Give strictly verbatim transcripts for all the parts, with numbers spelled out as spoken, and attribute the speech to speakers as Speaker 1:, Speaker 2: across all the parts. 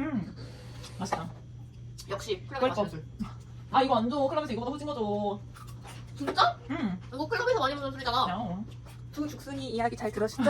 Speaker 1: 음 맛있다.
Speaker 2: 역시 클럽
Speaker 1: 그럴 거
Speaker 2: 맛은.
Speaker 1: 아 이거 안 줘. 클럽에서 이거보다 후진 거죠.
Speaker 2: 진짜?
Speaker 1: 음.
Speaker 2: 이거 클럽에서 많이 먹는 술이잖아.
Speaker 1: 야.
Speaker 3: 두 죽순이 이야기 잘 들으셨죠?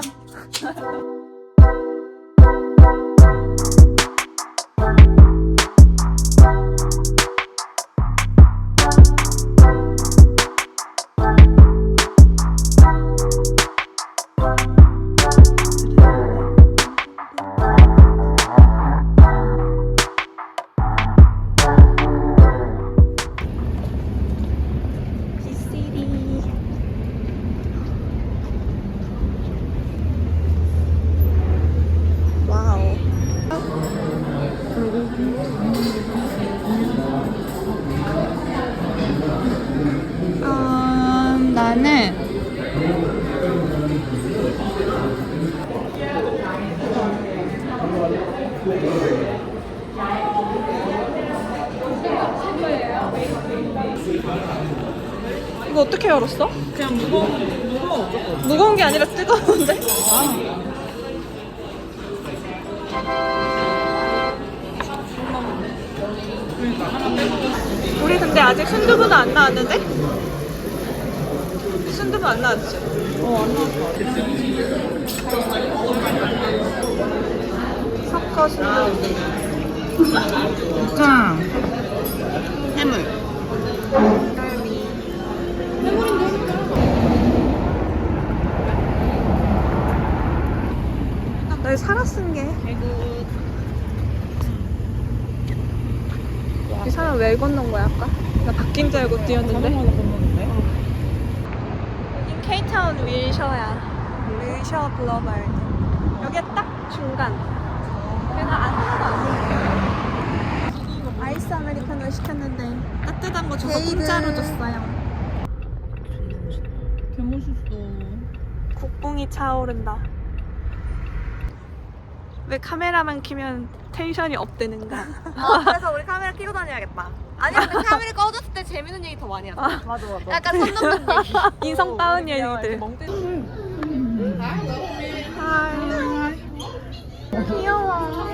Speaker 3: 음, 나는 이거 어떻게 열었어?
Speaker 1: 그냥 무거운 무거워 어쩌고.
Speaker 3: 무거운 게 아니라 뜨거운데?
Speaker 1: 그러니까 하나 빼고.
Speaker 3: 우리 근데 아직 순두부는 안 나왔는데? 순두부 안 나왔지?
Speaker 1: 어안 나왔어.
Speaker 3: 섞어 순두부.
Speaker 1: 짱. 해물.
Speaker 3: 나 이거 살아 쓴 게. 이 사람 왜 건넌 거야 아까? 나 바뀐 줄 알고 뛰었는데.
Speaker 1: 자동차로 건너는데.
Speaker 3: 여긴 케이타운 윌셔야. 윌셔 글로벌. 여기가 딱 중간. 그래서 하나도 아니에요. 아이스 아메리카노 시켰는데 따뜻한 거 줘서 공짜로 줬어요.
Speaker 1: 개멋있어.
Speaker 3: 국뽕이 차오른다. 왜 카메라만 키면 텐션이 업되는가?
Speaker 2: 어, 그래서 우리 카메라 켜고 다녀야겠다. 아니 근데 카메라 꺼졌을 때 재밌는 얘기 더 많이 하자.
Speaker 1: 맞아 맞아.
Speaker 2: 약간 선 넘는 얘기.
Speaker 3: 인성 따은 얘기들. 하이. 귀여워.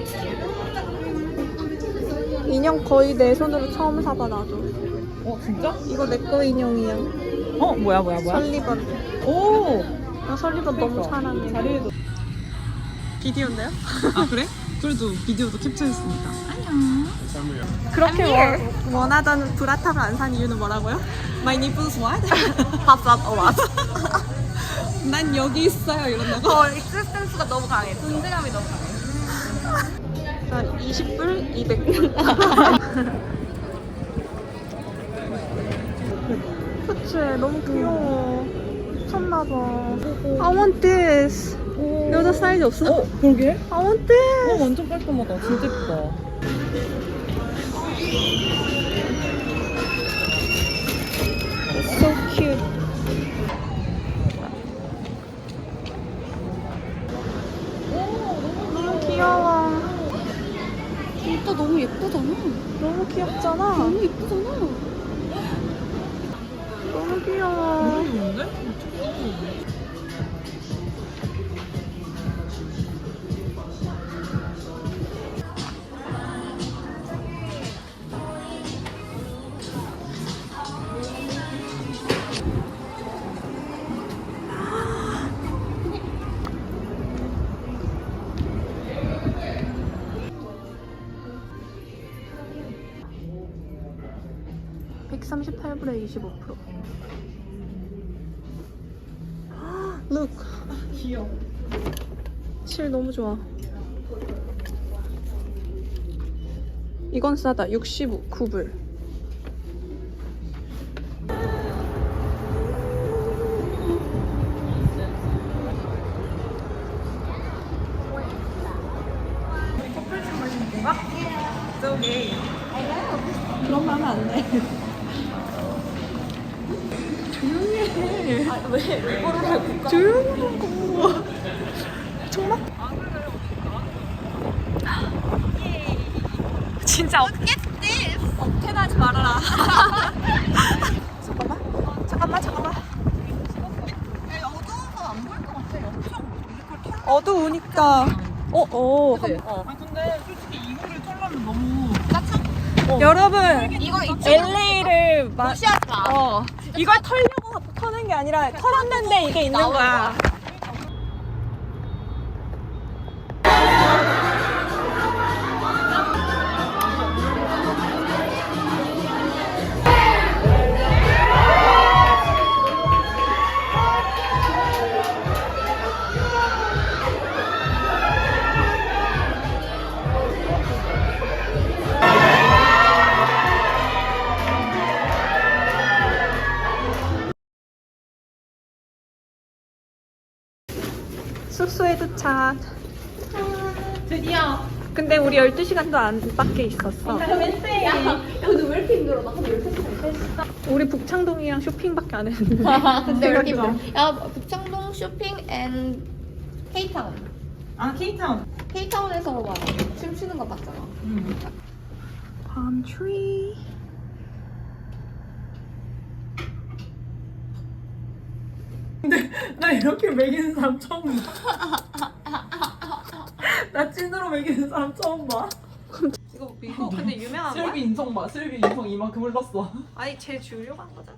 Speaker 3: 인형 거의 내 손으로 처음 사봐 나도.
Speaker 1: 어 진짜?
Speaker 3: 이거 내 거 인형이야.
Speaker 1: 어 뭐야 뭐야 뭐야?
Speaker 3: 설리번.
Speaker 1: 오.
Speaker 3: 나 설리번 너무 사랑해.
Speaker 1: 자리에도.
Speaker 3: 비디오인데요?
Speaker 1: 아 그래? 그래도 비디오도 캡처했으니까. 안녕.
Speaker 3: 그렇게 원, 원하던 브라탑을 안 산 이유는 뭐라고요?
Speaker 1: My nipples what?
Speaker 2: 밥밥 어 맞아.
Speaker 1: 난 여기 있어요 이런다고?
Speaker 2: 어 익스센스가 너무 강해. 존재감이 너무 강해.
Speaker 3: 한 이십 불, 이백 불. 그치, 너무 귀여워. 미쳤나봐. I want this. 여자 사이즈 없어?
Speaker 1: 어 그러게?
Speaker 3: I want this.
Speaker 1: 어 완전 깔끔하다. 진짜 예쁘다.
Speaker 3: So cute. 너무 귀여워.
Speaker 2: 진짜 너무 예쁘잖아.
Speaker 3: 너무 귀엽잖아.
Speaker 2: 너무 예쁘잖아.
Speaker 3: 너무 귀여워.
Speaker 1: 너무 좋은데?
Speaker 3: 백삼십팔 불에 이십오 퍼센트. Look.
Speaker 1: 귀여워.
Speaker 3: 실 너무 좋아. 이건 싸다. 육십구 불.
Speaker 1: 저기. 그런 말 하면 안 돼. 조용히 해.
Speaker 2: 아, 왜? 이거를 왜 국가?
Speaker 3: 조용히 하고. 정말? 진짜 어, 억텐하지 말아라. 잠깐만. 잠깐만, 잠깐만.
Speaker 2: 야, 어두워서 안 보일 것 같아. 엄청 이걸 켜.
Speaker 3: 어두우니까. 어, 어.
Speaker 2: 그치? 어.
Speaker 1: 아 근데 솔직히 이거
Speaker 3: 콜라면 너무.
Speaker 2: 여러분
Speaker 1: 이거
Speaker 2: 엘에이를 막
Speaker 1: 무시하지 마.
Speaker 2: 어, 이걸 털려고 터는 게 아니라 털었는데 이게 있는 거야. 숙소에 도착.
Speaker 3: 드디어.
Speaker 2: 근데 우리 열두 시간도 안 밖에 있었어.
Speaker 1: 야, 근데 왜 이렇게 힘들어? 나 근데 열두 시간 했어.
Speaker 2: 우리 북창동이랑 쇼핑밖에 안 했는데.
Speaker 1: 근데 왜 이렇게 힘들어? 야, 북창동 쇼핑 앤 K타운.
Speaker 3: 아 케이타운.
Speaker 1: K타운에서 막 춤추는 거 봤잖아.
Speaker 3: 음.
Speaker 2: palm tree.
Speaker 3: 나 이렇게 먹이는 사람 처음 봐. 나 찐으로 먹이는 사람 처음 봐.
Speaker 2: 이거 이거 근데 유명한 거야?
Speaker 3: 슬비 인성 봐. 슬비 인성 이만큼 흘렀어.
Speaker 2: 아니 쟤 주려고 한 거잖아.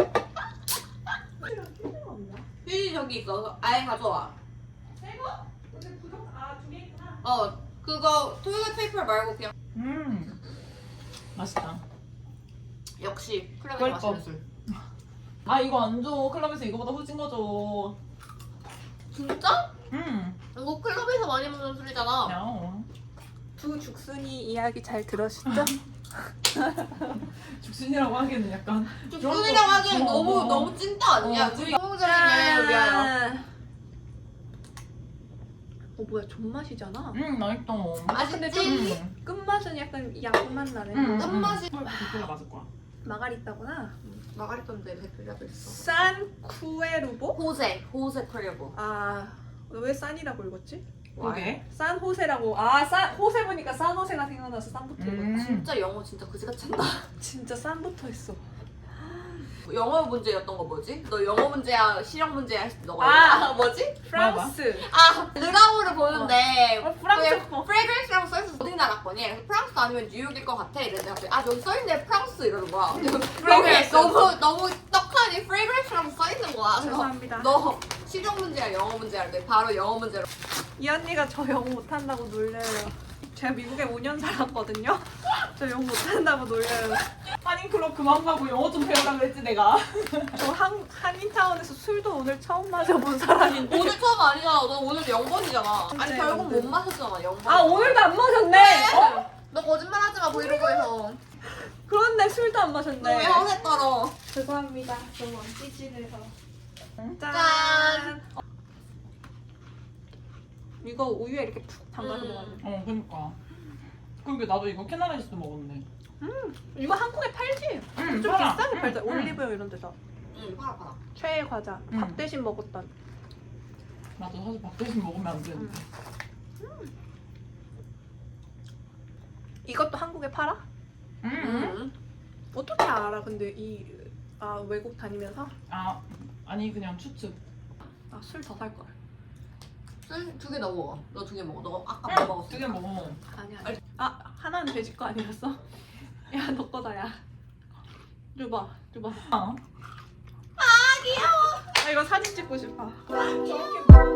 Speaker 1: 휴지 저기 있어. 아예 가져와.
Speaker 2: 새거? 근데 부족 아두 개 있구나.
Speaker 1: 어, 그거 토요일 페이퍼 말고 그냥
Speaker 3: 음. 맛있다.
Speaker 1: 역시 클럽에서
Speaker 3: 그럴
Speaker 1: 마시는
Speaker 3: 거.
Speaker 1: 술.
Speaker 3: 아 이거 안 줘. 클럽에서 이거보다 후진 거 줘.
Speaker 1: 진짜?
Speaker 3: 음.
Speaker 1: 이거 클럽에서 많이 먹는 술이잖아.
Speaker 3: 야.
Speaker 2: 두 죽순이 이야기 잘 들으시죠?
Speaker 3: 죽순이라고 하기에는 약간.
Speaker 1: 죽순이라고 하기엔
Speaker 3: 어,
Speaker 1: 너무
Speaker 3: 어.
Speaker 1: 너무 찐따 아니야?
Speaker 3: 어,
Speaker 1: 우리
Speaker 3: 찐따.
Speaker 1: 성적인 여행을 위하여.
Speaker 2: 어 뭐야 존맛이잖아.
Speaker 3: 음 맛있다.
Speaker 1: 맛있지?
Speaker 3: 음.
Speaker 2: 끝맛은 약간 약맛 나네.
Speaker 3: 음.
Speaker 1: 짠맛이.
Speaker 3: 콜라 맞을 거야.
Speaker 2: 마가리타구나.
Speaker 1: 마가리톤데 백불이라도 있어.
Speaker 2: 산 쿠에루보?
Speaker 1: 호세, 호세 크리브.
Speaker 2: 아, 너 왜 산이라고 읽었지?
Speaker 3: 그게.
Speaker 2: 산 호세라고. 아, 산 호세 보니까 산 호세가 생각나서 산부터 읽었지.
Speaker 3: 음.
Speaker 1: 진짜 영어 진짜 그지같이 한다.
Speaker 2: 진짜 산부터 했어.
Speaker 1: 영어 문제였던 거 뭐지? 너 영어 문제야, 실력 문제야 했을 때 너가
Speaker 2: 아!
Speaker 1: 아, 뭐지?
Speaker 2: 프랑스.
Speaker 1: 아, 르가우를 보는데
Speaker 2: 어, 프랑스 거.
Speaker 1: 프레그런스라고 써있어. 어디 나라 거니? 그래서 프랑스 아니면 뉴욕일 것 같아. 이랬는데 갑자기 아 여기 써있네 프랑스 이러는 거야.
Speaker 2: 프레그런스.
Speaker 1: 너무 너무 떡하니 프레그런스라고 써있는 거야. 그래서
Speaker 2: 죄송합니다.
Speaker 1: 너 실력 문제야 영어 문제야 할때 바로 영어 문제로.
Speaker 2: 이 언니가 저 영어 못한다고 놀려요. 제가 미국에 오 년 살았거든요. 저 영어 못한다고 놀려요.
Speaker 3: 한인 클럽 그만 가고 영어 좀 배우라 그랬지 내가.
Speaker 2: 저 한, 한인타운에서 술도 오늘 처음 마셔본 사람인데.
Speaker 1: 오늘 처음 아니잖아. 너 오늘 영 번이잖아. 아니
Speaker 2: 네,
Speaker 1: 결국
Speaker 2: 네.
Speaker 1: 못 마셨잖아 영 번.
Speaker 2: 아, 오늘도 안 마셨네. 어?
Speaker 1: 너 거짓말하지 마 브이로그에서.
Speaker 2: 그런데 술도 안
Speaker 1: 너
Speaker 2: 마셨네.
Speaker 1: 왜 허세 떨어?
Speaker 2: 죄송합니다. 너무 찌질해서. 짠.
Speaker 1: 짠.
Speaker 2: 이거 우유에 이렇게 푹 담가서
Speaker 1: 음.
Speaker 2: 먹어야 돼.
Speaker 3: 어 그러니까. 그러게 나도 이거 캐나다에서도 먹었네.
Speaker 2: 이거 한국에 팔지?
Speaker 3: 음,
Speaker 2: 좀
Speaker 3: 팔아.
Speaker 2: 비싸게
Speaker 3: 음,
Speaker 2: 팔자.
Speaker 3: 음.
Speaker 2: 올리브영 이런 데서.
Speaker 1: 응 팔아 팔아.
Speaker 2: 최애 과자.
Speaker 3: 음.
Speaker 2: 밥 대신 먹었던.
Speaker 3: 나도 사실 밥 대신 먹으면 안 되는데.
Speaker 2: 이것도 한국에 팔아?
Speaker 3: 음.
Speaker 1: 응.
Speaker 2: 어떻게 알아? 근데 이 아, 외국 다니면서?
Speaker 3: 아 아니 그냥 추측.
Speaker 2: 아, 술 더 살 걸.
Speaker 1: 술두개 넣어 먹어. 너 두 개 먹어. 너 아까
Speaker 3: 응,
Speaker 1: 뭐 먹었어?
Speaker 3: 두개 먹어.
Speaker 2: 아니야. 아니. 아, 하나는 돼지 거 아니었어? 야, 너 거다, 야. 줘봐, 줘봐.
Speaker 3: 아.
Speaker 2: 아, 이거 사진 찍고 싶어. 저렇게